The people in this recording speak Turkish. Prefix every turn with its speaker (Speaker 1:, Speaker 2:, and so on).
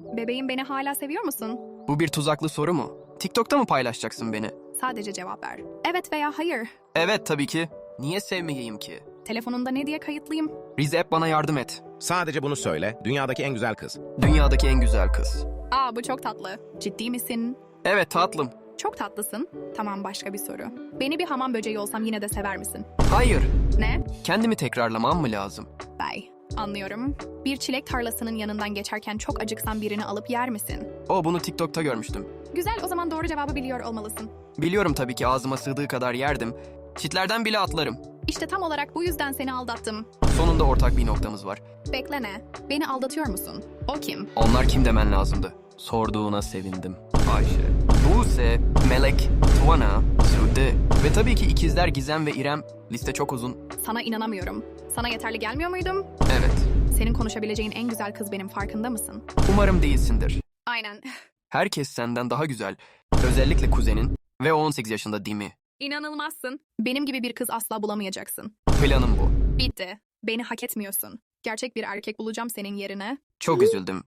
Speaker 1: Bebeğim, beni hala seviyor musun?
Speaker 2: Bu bir tuzaklı soru mu? TikTok'ta mı paylaşacaksın beni?
Speaker 1: Sadece cevap ver. Evet veya hayır.
Speaker 2: Evet tabii ki. Niye sevmeyeyim ki?
Speaker 1: Telefonunda ne diye kayıtlıyım?
Speaker 2: Rize App bana yardım et.
Speaker 3: Sadece bunu söyle. Dünyadaki en güzel kız.
Speaker 2: Dünyadaki en güzel kız.
Speaker 1: Aa, bu çok tatlı. Ciddi misin?
Speaker 2: Evet tatlım.
Speaker 1: Çok tatlısın. Tamam, başka bir soru. Beni bir hamam böceği olsam yine de sever misin?
Speaker 2: Hayır.
Speaker 1: Ne?
Speaker 2: Kendimi tekrarlamam mı lazım?
Speaker 1: Bey. Anlıyorum. Bir çilek tarlasının yanından geçerken çok acıksan birini alıp yer misin?
Speaker 2: Bunu TikTok'ta görmüştüm.
Speaker 1: Güzel, o zaman doğru cevabı biliyor olmalısın.
Speaker 2: Biliyorum tabii ki ağzıma sığdığı kadar yerdim. Çitlerden bile atlarım.
Speaker 1: İşte tam olarak bu yüzden seni aldattım.
Speaker 2: Sonunda ortak bir noktamız var.
Speaker 1: Bekle, ne? Beni aldatıyor musun? O kim?
Speaker 2: Onlar kim demen lazımdı? Sorduğuna sevindim. Ayşe, Buse, Melek, Tuana, Sude ve tabii ki ikizler Gizem ve İrem. Liste çok uzun.
Speaker 1: Sana inanamıyorum. Sana yeterli gelmiyor muydum?
Speaker 2: Evet.
Speaker 1: Senin konuşabileceğin en güzel kız benim, farkında mısın?
Speaker 2: Umarım değilsindir.
Speaker 1: Aynen.
Speaker 2: Herkes senden daha güzel. Özellikle kuzenin ve o 18 yaşında değil mi?
Speaker 1: İnanılmazsın. Benim gibi bir kız asla bulamayacaksın.
Speaker 2: Planım bu.
Speaker 1: Bitti. Beni hak etmiyorsun. Gerçek bir erkek bulacağım senin yerine.
Speaker 2: Çok üzüldüm.